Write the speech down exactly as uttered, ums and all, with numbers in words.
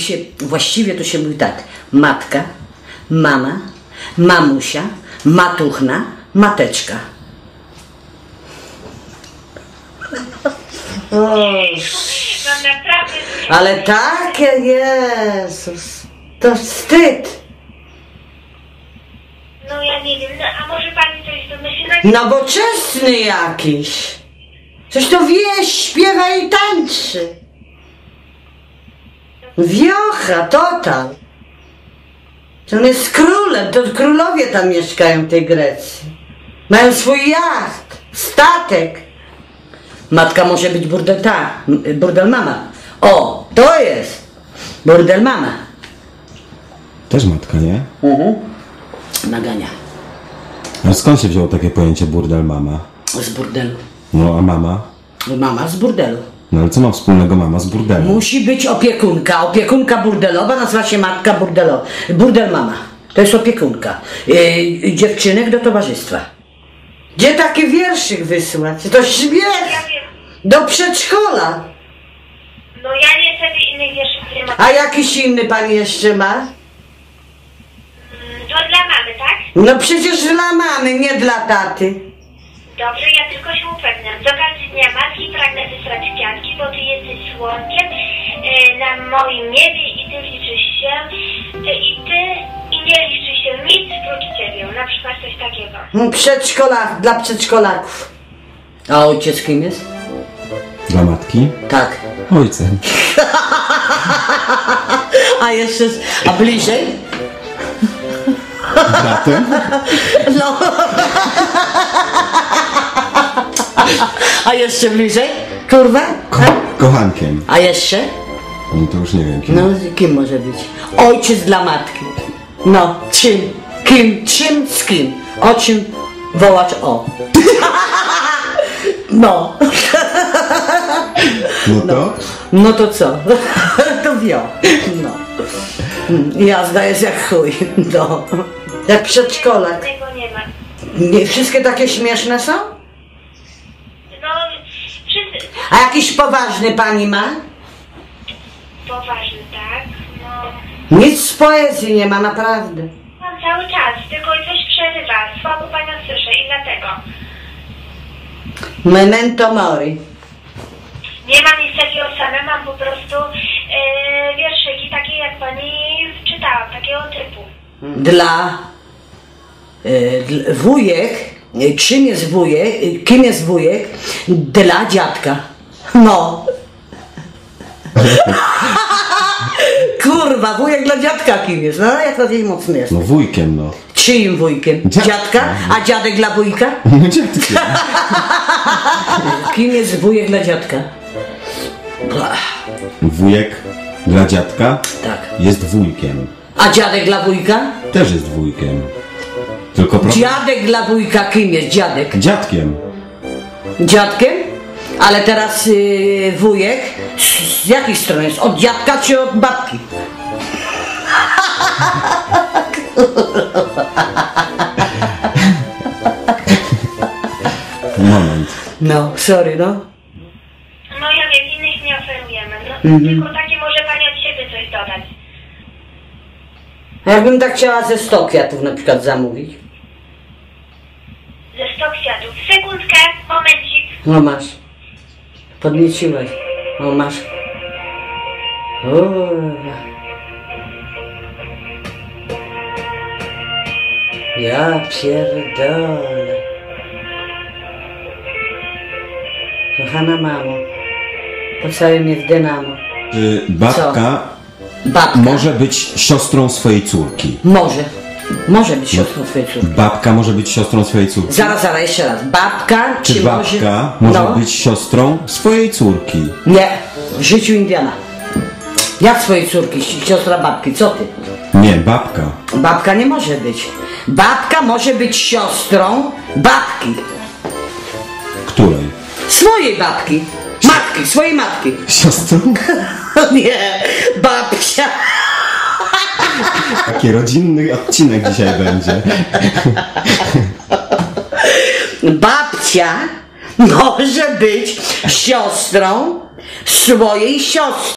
się, właściwie to się mówi tak, matka, mama, mamusia, matuchna, mateczka. O, No naprawdę. ale takie, Jezus, to wstyd. No ja nie wiem, no a może pani coś wymyśli? Nowoczesny jakiś. Coś to wie, śpiewa i tańczy. Wiocha, total. To on jest królem, to królowie tam mieszkają w tej Grecji. Mają swój jacht, statek. Matka może być burdel, ta, burdel mama. O, to jest burdel mama. Też matka, nie? Mhm. Nagania. Ale skąd się wzięło takie pojęcie burdel mama? Z burdelu. No a mama? Mama z burdelu. No ale co ma wspólnego mama z burdelem? Musi być opiekunka. Opiekunka burdelowa nazywa się matka burdelowa. Burdel mama. To jest opiekunka. Yy, dziewczynek do towarzystwa. Gdzie taki wierszyk wysłać? To śmiech! Ja wiem. Do przedszkola. No ja niestety innych wierszów nie mam. A jakiś inny pan jeszcze ma? Mm, To dla mamy, tak? No przecież dla mamy, nie dla taty. Dobrze, ja tylko się upewniam. Z okazji Dnia Matki pragnę wysłać kwiatki, bo ty jesteś słonkiem e, na moim niebie i ty liczysz się, ty i ty i nie liczy się nic prócz ciebie. Na przykład coś takiego. Przedszkola, dla przedszkolaków. A ojciec kim jest? Dla matki? Tak. Ojcem. A jeszcze, a bliżej? Bratem? No. A jeszcze bliżej? Kurwa? Ko kochankiem. A jeszcze? No to już nie wiem kim. No, kim może być? Ojciec dla matki. No, czym? Kim? Czym? Z kim? O czym wołać o? No. No to? No to co? To wio. No. Jazda jest jak chuj. No. Jak przedszkolak. Tego nie ma. Nie, wszystkie takie śmieszne są? No, wszyscy... A jakiś poważny pani ma? Poważny, tak? No... Nic z poezji nie ma, naprawdę. Mam cały czas, tylko coś przerywa. Słabo panią słyszę i dlatego. Memento mori. Nie mam nic takiego same, mam po prostu e, wierszyki takie jak pani czytała, takiego typu. Dla y, dl- wujek, y, czym jest wujek, y, kim jest wujek? Dla dziadka. No. Kurwa, wujek dla dziadka kim jest? No jak to jej mocny jest. No wujkiem, no. Czyim wujkiem? Dziadka. Dziadka? A dziadek dla wujka? No dziadkiem. Kim jest wujek dla dziadka? Ach, Wujek dla dziadka tak. jest wujkiem. A dziadek dla wujka? Też jest wujkiem. Tylko pro... Dziadek dla wujka kim jest? Dziadek. Dziadkiem. Dziadkiem? Ale teraz yy, wujek z, z jakiej strony jest? Od dziadka czy od babki? Moment. No, sorry, no. No ja wiem, innych nie oferujemy. No, Mhm. tylko takie może pani od siebie coś dodać. A jakbym tak chciała ze sto kwiatów na przykład zamówić? Ze sto kwiatów. Sekundkę, momencik. No masz. Podnieciłeś. No masz. Kurwa. Ja pierdolę. Kochana mamo, pocałuj mnie w dynamo. Y, babka Babka. może być siostrą swojej córki. Może. Może być siostrą twojej córki. Babka może być siostrą swojej córki. Zaraz, zaraz, jeszcze raz. Babka Czy, czy babka może... może być siostrą swojej córki? Nie. W życiu Indiana. Jak swojej córki, siostra babki, co ty? Nie, babka. Babka nie może być. Babka może być siostrą babki. Której? Swojej babki. Matki, swojej matki. Siostrą? Nie, babcia. Taki rodzinny odcinek dzisiaj będzie. Babcia może być siostrą swojej siostry.